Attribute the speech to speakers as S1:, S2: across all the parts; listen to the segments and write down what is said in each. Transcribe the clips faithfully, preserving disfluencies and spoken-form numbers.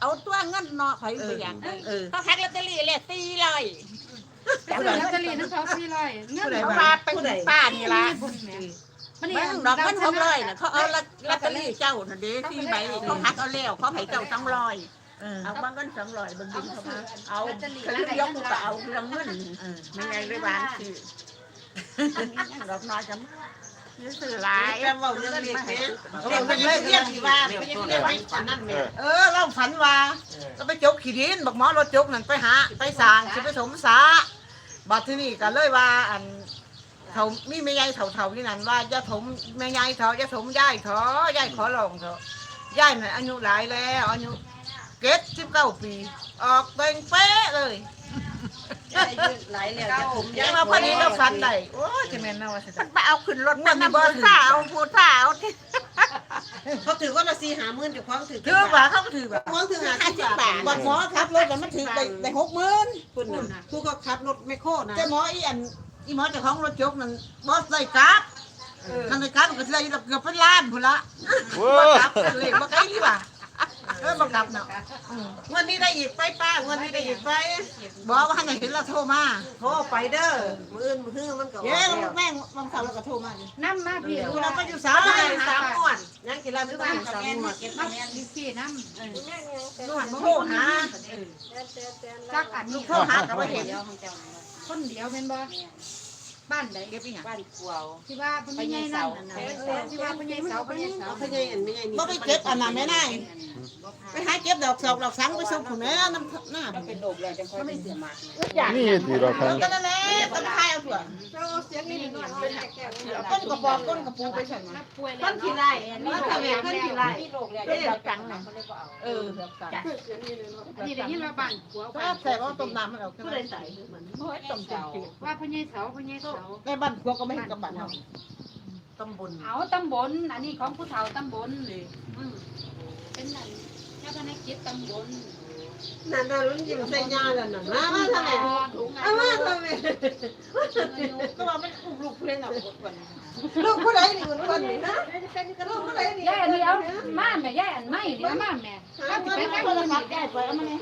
S1: เอาตัวเงินเนาะไปไปอย่างเขาแพ็คลอตเตอรี่เลยตีเลย
S2: แต่ลอตเตอรี่นั่นเขาสี่ร้อยเงิน
S1: เขามาเป็นป้านี่ละมันดอกเงินหกร้อยน่ะเขาเอาลอตเตอรี่เจ้าน่ะเด้ที่ใบเขาพักเอาแล้วเขาให้เจ้าสองร้อยเอาบางเงินสองร้อยบางบินเขามาเอาเขาเรียกยกกูก็เอาเรื่องเงินไม่ไงเลยบ้านคือดอกน้อยจะซื้อหลายแล้วว่าเรื่องเล็กเล็กเล็กเป็นเรื่องเรียกที่ว่าไม่ใช่เรื่องฝันนั่นแหละเออเราฝันว่าก็ไปจกขี้ดินบอกหมอรถจกนั่นไปหาไปสร้างสิไปสมสาบัดที่นี่ก็เลยว่าอันเขามีแม่ยายเถาๆที่นั่นว่าจะถมแม่ยายเถาจะถมย่ายเถอย่ายขอลองเถอะย่ายน่ะอายุหลายแล้วอายุเจ็ดสิบเก้าปีออกเต็งเป๊ะเลยหลายแล้วยังมาพอดีก็ฟันได้โอ้ยจะแม่นนะว่าจะไปเอาขึ้นรถมันบ่ถือเอาพูดท่าเอา
S3: เขาถือว่าเราซีหาหมื่นอยู่คล้องถือ
S1: ถือว่าเขาถือแบบ
S3: คล้องถือหาสิบบาท
S1: บัดหมอขับรถแต่มันถือได้ได้หกหมื่น
S3: คุณผู้ก็ขับรถไม่โค่นะ
S1: แต่หมออีอันอีหมอเจ้าของรถจกนั่นบ่ใส่กราฟคันใส่กราฟก็สิได้เกือบเป็นล้านพุ่นละบ่กราฟเลยบ่ไกลดีว่าเออบ่กราฟเนาะ
S3: วันนี้ได้อีกไปป้าวันนี้ได้อีกไป
S1: บอกว่าให้เห็นเราโทรมา
S3: โทรไปเด้อมืออื่นมือฮื้อมันก็
S1: เย้แม่งบางครั้งเราก็โทรมาดิ
S2: น้ำมาพี่
S1: ดูเราก็อยู่สา
S3: สาม
S1: ม
S3: ได้สามม้วนยังกินแล้วไม่ต้องสามม้วน
S2: มาพี่น้ำ
S1: นวดโทรหา
S2: จักอัน
S1: ลู
S2: นี้
S1: กโทรหาก็บ่เห็น
S2: คนเดียวเป็นบ่บ้านใด
S1: เก็บอีหยัง
S4: บ้านกวาว
S2: ที่ว่าเป็นใหญ่นั่นน่ะที่ว่าเป็นใหญ่เสาเป็นใหญ่เสา
S3: เขาใหญ่อันไม่ใหญ่นี่
S1: บ่ไปเก็บอันนั้นแม่นายไปหาเก็บดอกสอกดอกสังไปส่งผู้แม่น้ำหน้า
S4: มันเป็นโดกเลยจังค่อยไม่เสียมาก
S5: นี่ตีเราครับ
S1: ก็นั่นแหละต้นไม้เอาถั่ว
S2: เสียงนี่หน่อยเป็นแก่
S1: ต้นกระบอกต้นกระปูไปใส่มา
S2: ป่วยแล้
S3: ต้
S2: วน
S3: ขี้ไร่นี่ทำไมต้นขี้ไร่
S4: ที่โดกเลย
S1: เป็นดอกจังน่ะเออดอกจัง
S2: นี่ได้ยินว่าบ้านผัว
S1: ก็ใส่ว่าต้มน้ำมันเอาผู้ใดใส่เหมือนโอ้ยต้มจืด
S2: ว่าพญายเสาพญายเสา
S1: ในบ้านพวกก็ไม่เห็นกับบ้านเฮา
S3: ตำบล
S2: เอาตำบลอันนี้ของผู้เฒ่าตำบลเป็นนั่นเจ้าคณะกิจตำบล
S3: นั่นน่ะรุ่นยิ้มใส่ยาแล้วน่ะมามาทำไมเอามาทำไม
S1: ก็ว่ามันอุ้มลูกเล่นเอาคน
S3: ลูกผู้ใดนี่คนคนนี่นะลูกผู้ใดนี่
S2: ยายอันนี้เอามาแม่ยายอันไม่เดี๋ยวมาแม่ถ้าจะไป
S1: ไม่
S2: ทาง
S1: คน
S2: อื่
S1: ละ
S2: น
S1: ทับยายไปเอามาเลย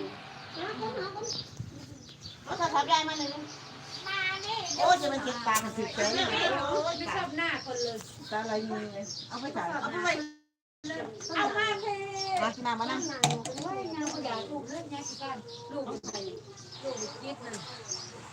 S1: เอาทับยายมาเลยโอ้จะมันเจ็บตากันสิเฉย
S2: ไม่ชอบหน้าคนเลย
S1: ตาอะไรมือเอาไปใส่เอาไปใส่
S2: เอามาเท
S1: มาหน้ามานั่ง
S2: ว่ายงานอยากลูกเลือดยายสิกันลูกใส่ลูกยิดนั่น